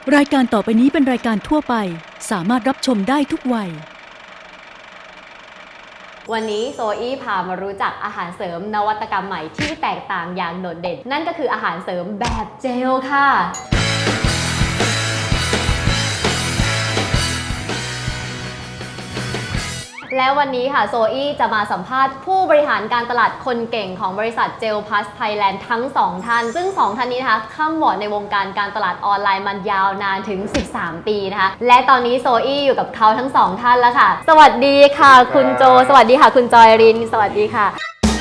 รายการต่อไปนี้เป็นรายการทั่วไปสามารถรับชมได้ทุกวัยวันนี้โซอี้พามารู้จักอาหารเสริมนวัตกรรมใหม่ที่แตกต่างอย่างโดดเด่นนั่นก็คืออาหารเสริมแบบเจลค่ะแล้ววันนี้ค่ะโซอี้จะมาสัมภาษณ์ผู้บริหารการตลาดคนเก่งของบริษัทเจลพลัสไทยแลนด์ทั้ง2ท่านซึ่ง2ท่านนี้นะคะข้ามวอร์ดในวงการการตลาดออนไลน์มันยาวนานถึง13ปีนะคะและตอนนี้โซอี้อยู่กับเขาทั้ง2ท่านแล้วค่ะสวัสดีค่ะคุณโจสวัสดีค่ะคุณจอยรินสวัสดีค่ะ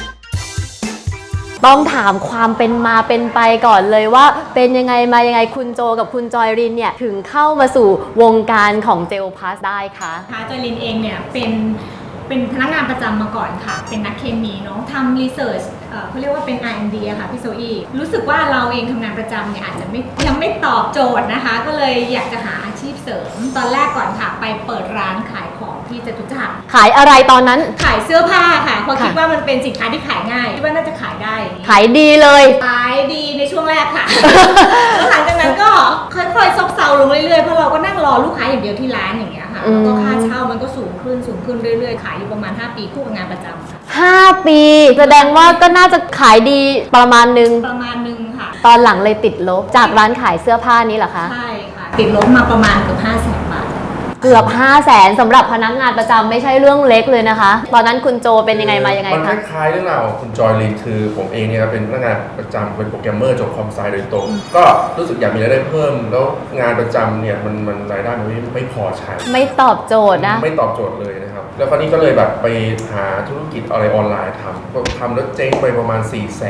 ต้องถามความเป็นมาเป็นไปก่อนเลยว่าเป็นยังไงมายังไงคุณโจกับคุณจอยรินเนี่ยถึงเข้ามาสู่วงการของเจลพลัสได้คะจอยรินเองเนี่ยเป็นพนักงานประจำมาก่อนค่ะเป็นนักเคมีเนาะทำรีเสิร์ชเขาเรียกว่าเป็น R&D อะค่ะพี่โซอี้รู้สึกว่าเราเองทำงานประจำเนี่ยอาจจะยังไม่ตอบโจทย์นะคะก็เลยอยากจะหาอาชีพเสริมตอนแรกก่อนค่ะไปเปิดร้านขายของที่จตุจักรขายอะไรตอนนั้นขายเสื้อผ้าค่ะเพราะคิดว่ามันเป็นสินค้าที่ขายง่ายคิดว่าน่าจะขายได้ขายดีเลยขายดีในช่วงแรกค่ะ หลังจากนั้นก็ค่อยๆซบเซาลงเรื่อยๆเพราะเราก็นั่งรอลูกค้าอย่างเดียวที่ร้านอย่างเงี้ยค่ะแล้วก็ค่าเช่ามันก็สูงขึ้นเรื่อยๆขายอยู่ประมาณ5 ปีคู่กับงานประจำ 5 ปีแสดงว่าก็น่าจะขายดีประมาณนึงค่ะตอนหลังเลยติดลบจากร้านขายเสื้อผ้านี้เหรอคะใช่ค่ะติดลบมาประมาณเกือบ500,000 บาทเกือบ500,000สำหรับพนักงานประจำไม่ใช่เรื่องเล็กเลยนะคะตอนนั้นคุณโจเป็นยังไงมายังไงคะมันคล้ายๆเรื่องราวของคุณจอยลินคือผมเองเนี่ยเป็นพนักงานประจำเป็นโปรแกรมเมอร์จบคอมไซโดยตรงก็รู้สึกอยากมีรายได้เพิ่มแล้วงานประจำเนี่ยมันรายได้มันไม่พอใช้ไม่ตอบโจทย์นะไม่ตอบโจทย์เลยนะครับแล้วคราวนี้ก็เลยแบบไปหาธุรกิจอะไรออนไลน์ทำแล้วเจ๊งไปประมาณ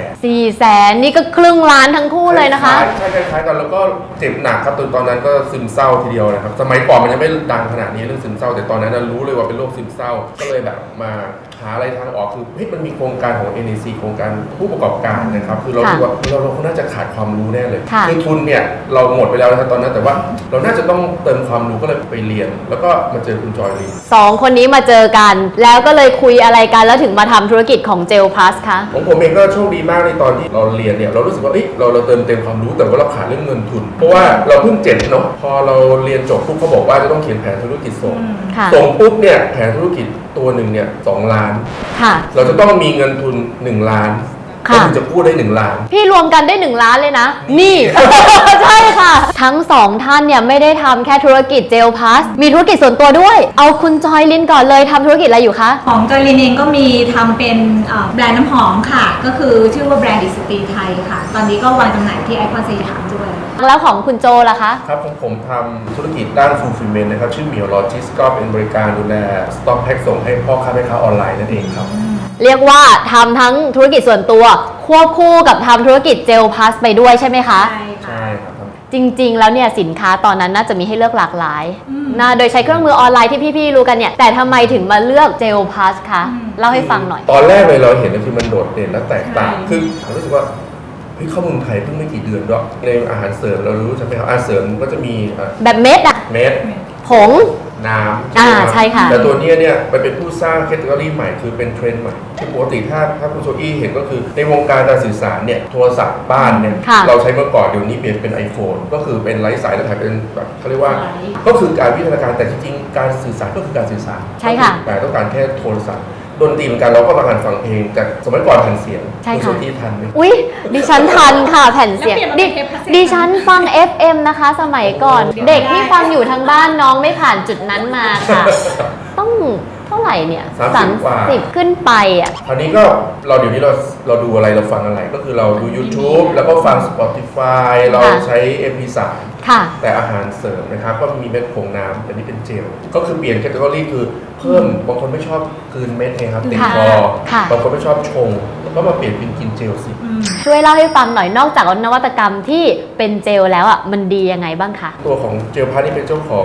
400,000นี่ก็ครึ่งล้านทั้งคู่เลยนะคะใช่คล้ายๆกันแล้วก็เจ็บหนักครับตอนนั้นก็ซึมเศร้าทีเดียวนะครับสมัยก่อนมันยังไม่ดังขนาดนี้เรื่องซึมเศร้าแต่ตอนนั้นรู้เลยว่าเป็นโรคซึมเศร้าก็เลยแบบมาหาอะไรทางออกคือเฮ้ยมันมีโครงการของ NEC โครงการผู้ประกอบการนะครับคือเราคิดว่าเราน่าจะขาดความรู้แน่เลยคือทุนเนี่ยเราหมดไปแล้วนะครับตอนนั้นแต่ว่าเราน่าจะต้องเติมความรู้ก็เลยไปเรียนแล้วก็มาเจอคุณจอยลี 2 คนนี้มาเจอกันแล้วก็เลยคุยอะไรกันแล้วถึงมาทำธุรกิจของเจลพลัสคะของผมเองก็โชคดีมากในตอนที่เราเรียนเนี่ยเรารู้สึกว่าเราเติมเต็มความรู้แต่ว่าเราขาดเรื่องเงินทุนเพราะว่าเราเพิ่ง7เนาะพอเราเรียนจบปุ๊บเขาบอกว่าจะต้องเขียนแผนธุรกิจส่งปุ๊บเนี่ยแผนธุรกิจตัวหนึ่งเนี่ย2 ล้านเราจะต้องมีเงินทุน1 ล้านก็ถึงจะพูดได้1 ล้านพี่รวมกันได้1 ล้านเลยนะนี่ ใช่ค่ะทั้ง2ท่านเนี่ยไม่ได้ทำแค่ธุรกิจเจลพลัสมีธุรกิจส่วนตัวด้วยเอาคุณจอยลินก่อนเลยทำธุรกิจอะไรอยู่คะของจอยลินเองก็มีทำเป็นแบรนด์น้ำหอมค่ะก็คือชื่อว่าแบรนด์ดิสตีไทยค่ะตอนนี้ก็วางจำหน่ายที่ไอคอนสยามด้วยแล้วของคุณโจล่ะคะครับของผมทำธุรกิจด้าน fulfillment นะครับชื่อเหมียวโลจิสก็เป็นบริการดูแลสต็อกแพ็คส่งให้พ่อค้าแม่ค้าออนไลน์นั่นเองครับเรียกว่าทำทั้งธุรกิจส่วนตัวควบคู่กับทำธุรกิจเจลพลัสไปด้วยใช่ไหมคะใช่ครับจริงๆแล้วเนี่ยสินค้าตอนนั้นน่าจะมีให้เลือกหลากหลายนะโดยใช้เครื่องมือออนไลน์ที่พี่ๆรู้กันเนี่ยแต่ทำไมถึงมาเลือกเจลพลัสคะเล่าให้ฟังหน่อยตอนแรกเลยเราเห็นคือมันโดดเด่นและแตกต่างคือผมรู้สึกว่าข้อมูลไทยเพิ่งไม่กี่เดือนด้วยในอาหารเสริมเรารู้ใช่ไหมครับอาหารเสริมก็จะมีแบบเม็ดอะเม็ดผงน้ำใช่ค่ะแต่ตัวนี้เนี่ยมันเป็นผู้สร้างแคตตาล็อกใหม่คือเป็นเทรนด์ใหม่ที่ปกติถ้าคุณโซอี้เห็นก็คือในวงการการสื่อสารเนี่ยโทรศัพท์บ้านเนี่ยเราใช้เมื่อก่อนเดี๋ยวนี้เปลี่ยนเป็น iPhone ก็คือเป็นไร้สายแล้วถ่ายเป็นแบบเขาเรียกว่าก็คือการวิทยาการแต่จริงๆการสื่อสารก็คือการสื่อสารใช่ค่ะแต่ต้องการแค่โทรศัพท์ดนตรีเหมือนกันเราก็มาหันฟังเพลงจากสมัยก่อนแผ่นเสียงคุณโซอี้ทันไหมอุ๊ยดิฉันทันค่ะแผ่นเสียงดิฉันฟัง FM นะคะสมัยก่อนเด็กที่ฟังอยู่ทางบ้านน้องไม่ผ่านจุดนั้นมาค่ะต้องเท่าไหร่เนี่ย30ขึ้นไปอ่ะคราวนี้ก็เดี๋ยวนี้เราดูอะไรเราฟังอะไรก็คือเราดู YouTube แล้วก็ฟัง Spotify เราใช้ MP3 แต่อาหารเสริมนะครับก็มีเม็ดผงน้ำแต่นี่เป็นเจลก็คือเปลี่ยนแคตตาล็อกคือเพิ่มบางคนไม่ชอบคืนเม็ดนะครับติดคอบางคนไม่ชอบชงก็มาเปลี่ยนเป็นกินเจลสิช่วยเล่าให้ฟังหน่อยนอกจากนวัตกรรมที่เป็นเจลแล้วอ่ะมันดียังไงบ้างคะตัวของเจลพาร์ทนี่เป็นเจ้าของ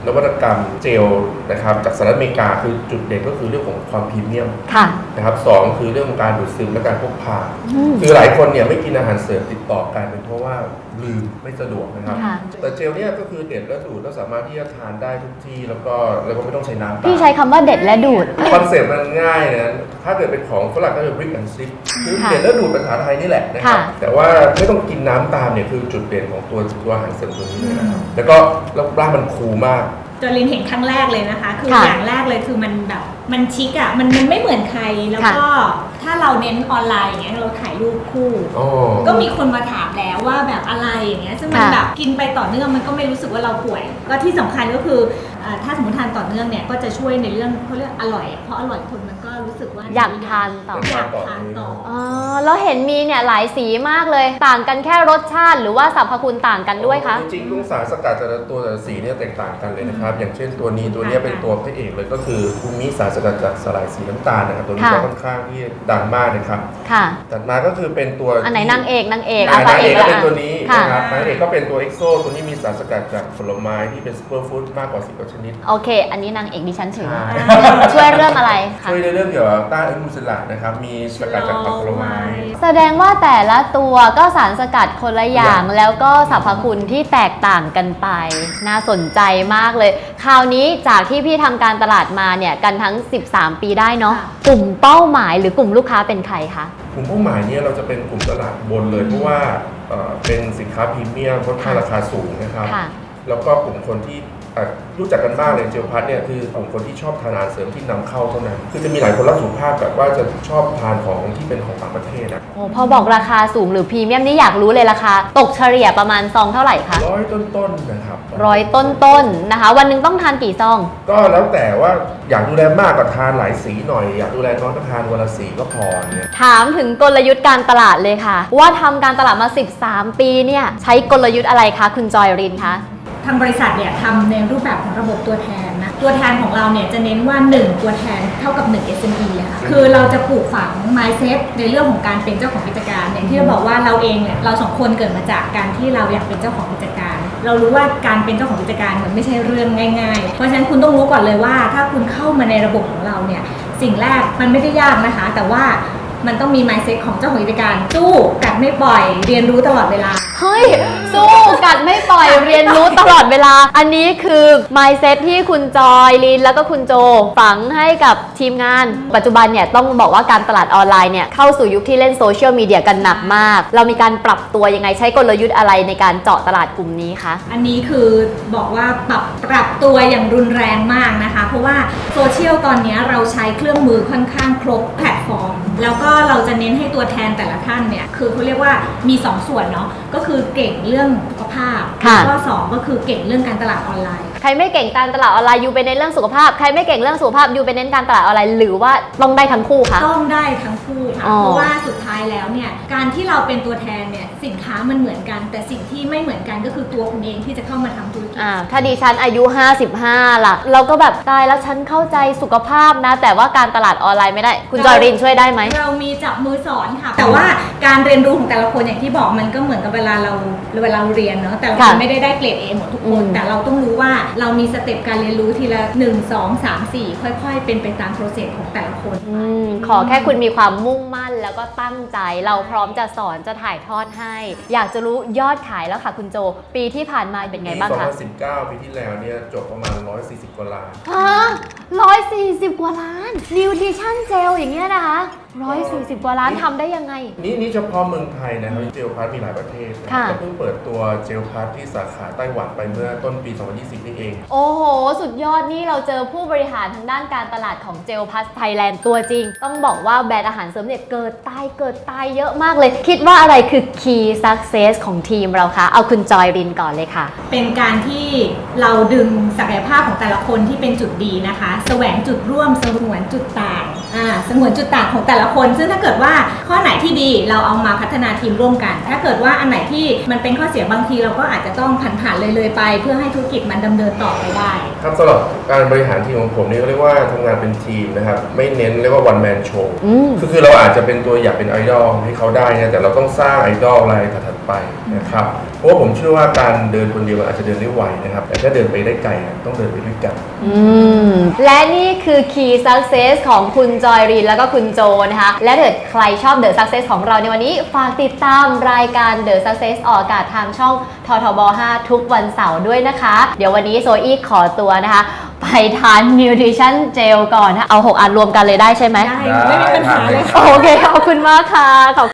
นวัตกรรมเจลนะครับจากสหรัฐอเมริกาคือจุดเด่นก็คือเรื่องของความพรีเมียมค่ะนะครับสองคือเรื่องของการดูดซึมและการพกพาคือหลายคนเนี่ยไม่กินอาหารเสริมติดต่อกันเป็นเพราะว่าลืมไม่สะดวกนะครับค่ะแต่เจลเนี่ยก็คือเด็ดและดูดแล้วสามารถที่จะทานได้ทุกที่แล้วก็ไม่ต้องใช้น้ำพี่ใช้คำว่าเด็ดและดูดคอนเซ็ปต์มันง่ายนะถ้าเกิดเป็นของฝรั่งก็จะ brick and stick คือค่ะเด็ดและดูดภาษาไทยนี่แหละนะครับค่ะแต่ว่าไม่ต้องกินน้ำตามเนี่ยคือจุดเด่นของตัวอาหารเสริมตัวนี้เลยนะครับแล้วก็ร่างมันคูลมากจอรินเห็นครั้งแรกเลยนะคะ คือค่ะอย่างแรกเลยคือมันแบบมันชิคอะมันไม่เหมือนใครแล้วก็ถ้าเราเน้นออนไลน์อย่างเงี้ยเราถ่ายรูปคู่ ก็มีคนมาถามแล้วว่าแบบอะไรอย่างเงี้ยซึ่งมันค่ะแบบกินไปต่อเนื่องมันก็ไม่รู้สึกว่าเราป่วยก็ที่สำคัญก็คือถ้าสมมติทานต่อเนื่องเนี่ยก็จะช่วยในเรื่องเขาเรียกอร่อยเพราะอร่อยคนมันก็รู้สึกว่าอยากทานต่ออยากทานต่ออ๋อแล้วเห็นมีเนี่ยหลายสีมากเลย ต่างกันแค่รสชาติหรือว่าสรรพคุณต่างกันด้วยคะจริงๆสารสกัดแต่ละตัวแต่ละสีเนี่ยแตกต่างกันเลยนะครับ อย่างเช่นตัวนี้เป็นตัวพระเอกเลยก็คือภูมิสารสกัดจากสลายสีน้ำตาลนะครับตัวนี้ก็ค่อนข้างที่ดังมากนะครับค่ะถัดมาก็คือเป็นตัวอันไหนนางเอกนางเอกนางพระเอกก็ละเป็นตัวนี้ค่ะนะครับนางเอกก็เป็นตัวเอ็กโซตัวนี้มีสารสกัดจากผลไม้ที่เป็นซูเปอร์ฟู้ดมากกว่า10 ชนิดโอเค อันนี้นางเอกดิฉันถือใช่ช่วยเรื่องอะไรคะช่วยในเรื่องเกี่ยวกับต้านอนุมูลอิสระนะครับมีสกัดจากผักผลไม้แสดงว่าแต่ละตัวก็สารสกัดคนละอย่าง แล้วก็สรรพคุณที่แตกต่างกันไป น่าสนใจมากเลย คราวนี้จากที่พี่ทำการตลาดมาเนี่ยกันทั้ง 13 ปีได้เนาะ กลุ่มเป้าหมายหรือกลุ่มลูกค้าเป็นใครคะกลุ่มเป้าหมายเนี่ยเราจะเป็นกลุ่มตลาดบนเลยเพราะว่าเป็นสินค้าพรีเมียมค่อนข้างราคาสูงนะครับค่ะแล้วก็กลุ่มคนที่รู้จักกันมากเลยเจลพัทเนี่ยคือกลุ่มคนที่ชอบทานอาหารเสริมที่นำเข้าเท่านั้นคือจะมีหลายคนรักสุขภาพแบบว่าจะชอบทานของที่เป็นของต่างประเทศนะโอ้พอบอกราคาสูงหรือพรีเมียมนี่อยากรู้เลยราคาตกเฉลี่ยประมาณซองเท่าไหร่คะ 100 ต้นๆนะครับต้นๆนะคะ วันหนึงต้องทานกี่ซองก็แล้วแต่ว่าอยากดูแลมากก็ทานหลายสีหน่อย อยากดูแลน้อยก็ทานวันละสีก็พอเนี่ยถามถึงกลยุทธ์การตลาดเลยค่ะ ว่าทำการตลาดมา 13 ปีเนี่ยใช้กลยุทธ์อะไรคะคุณจอยรินคะทางบริษัทเนี่ยทำในรูปแบบของระบบตัวแทนนะตัวแทนของเราเนี่ยจะเน้นว่า 1 ตัวแทนเท่ากับ 1 SME อะค่ะคือเราจะปลูกฝัง mindset ในเรื่องของการเป็นเจ้าของกิจการอย่างที่เราบอกว่าเราเองเนี่ยเราสองคนเกิดมาจากการที่เราอยากเป็นเจ้าของกิจการ เรารู้ว่าการเป็นเจ้าของกิจการมันไม่ใช่เรื่องง่ายๆ เพราะฉะนั้นคุณต้องรู้ก่อนเลยว่าถ้าคุณเข้ามาในระบบของเราเนี่ยสิ่งแรกมันไม่ได้ยากนะคะ แต่ว่ามันต้องมี mindset ของเจ้าของกิจการสู้กัดไม่ปล่อยเรียนรู้ตลอดเวลาเฮ้ย สู้กัดไม่ปล่อยเรียนรู้ตลอดเวลา อันนี้คือ mindset ที่คุณจอยลินแล้วก็คุณโจฝังให้กับทีมงาน ปัจจุบันเนี่ยต้องบอกว่าการตลาดออนไลน์เนี่ยเข้าสู่ยุคที่เล่นโซเชียลมีเดียกันหนักมาก เรามีการปรับตัวยังไงใช้กลยุทธ์อะไรในการเจาะตลาดกลุ่มนี้คะอันนี้คือบอกว่าปรับตัวอย่างรุนแรงมากนะคะ เพราะว่าโซเชียลตอนนี้เราใช้เครื่องมือค่อนข้างครบแพลตฟอร์ม แล้วก็เราจะเน้นให้ตัวแทนแต่ละท่านเนี่ยคือเขาเรียกว่ามี 2 ส่วนเนาะก็คือเก่งเรื่องสุขภาพค่ะแล้วก็2ก็คือเก่งเรื่องการตลาดออนไลน์ใครไม่เก่งการตลาดออนไลน์ยูไปในเรื่องสุขภาพใครไม่เก่งเรื่องสุขภาพยูไปเน้นการตลาดออนไลน์หรือว่าต้องได้ทั้งคู่คะต้องได้ทั้งคู่ค่ะอ๋อเพราะว่าสุดท้ายแล้วเนี่ยการที่เราเป็นตัวแทนเนี่ยสินค้ามันเหมือนกัน แต่สิ่งที่ไม่เหมือนกันก็คือตัวคุณเองที่จะเข้ามาทำธุรกิจถ้าดิฉันอายุ 55 ล่ะ เราก็แบบตายแล้วฉันเข้าใจสุขภาพนะ แต่ว่าการตลาดออนไลน์ไม่ได้ คุณจอยรินช่วยได้ไหมเรามีจับมือสอนค่ะ แต่ว่าการเรียนรู้ของแต่ละคนอย่างที่บอกมันก็เหมือนกับเวลาเราเรียนเนาะแต่ละคนค่ะไม่ได้เกรด A หมดทุกคน แต่เราต้องรู้ว่าเรามีสเต็ปการเรียนรู้ทีละ 1 2 3 4 ค่อยๆ เป็นไปตามโปรเซสของแต่ละคนขอแค่คุณมีความมุ่งมั่นแล้วก็ตั้งใจ เราพร้อมจะสอนจะถ่ายทอดให้ อยากจะรู้ยอดขายแล้วค่ะคุณโจ ปีที่ผ่านมาเป็นไงบ้างคะ 2019 ปีที่แล้วเนี่ยจบประมาณ 140 กว่าล้านฮะ140 กว่าล้านนิวทริชั่นเจลอย่างเงี้ยนะคะ140 กว่าล้านทำได้ยังไงนี่เฉพาะเมืองไทยนะครับเจลพัทมีหลายประเทศนะค่ะก็เพิ่งเปิดตัวเจลพัทที่สาขาไต้หวันไปเมื่อต้นปี 2020 นี่เองโอ้โห สุดยอดนี่เราเจอผู้บริหารทางด้านการตลาดของเจลพัสไทยแลนด์ตัวจริง ต้องบอกว่าแบรนด์อาหารเสริมเนี่ยเกิดตายเยอะมากเลย คิดว่าอะไรคือ key success ของทีมเราคะเอาคุณจอยรินก่อนเลยค่ะเป็นการที่เราดึงศักยภาพของแต่ละคนที่เป็นจุดดีนะคะแสวงจุดร่วมสงวนจุดต่างสงวนจุดต่างของแต่ละคนซึ่งถ้าเกิดว่าข้อไหนที่ดีเราเอามาพัฒนาทีมร่วมกัน ถ้าเกิดว่าอันไหนที่มันเป็นข้อเสียบางทีเราก็อาจจะต้องผ่านเลยไปเพื่อให้ธุรกิจมันดำเนินต่อไปได้ครับสำหรับการบริหารทีมของผมนี่เขาเรียกว่าทำงานเป็นทีมนะครับไม่เน้นเรียกว่า one man show คือเราอาจจะเป็นตัวอยากเป็นไอดอลให้เขาได้นะแต่เราต้องสร้างไอดอลรายถัดไปนะครับเพราะว่าผมเชื่อว่าการเดินคนเดียวอาจจะเดินได้ไวนะครับแต่ถ้าเดินไปได้ไกลต้องเดินไปด้วยกันและนี่คือ Key Success ของคุณจอยรินแล้วก็คุณโจนะคะและถ้าเกิดใครชอบ The Success ของเราในวันนี้ฝากติดตามรายการ The Success ออกอากาศทางช่องททบ 5 ทุกวันเสาร์ด้วยนะคะเดี๋ยววันนี้โซอี้ขอตัวนะคะไปทาน Nutrition Gel ก่อนนะเอา6 อันรวมกันเลยได้ใช่ไหมได้ไม่มีปัญหาเลยโอเคขอบคุณมากค่ะ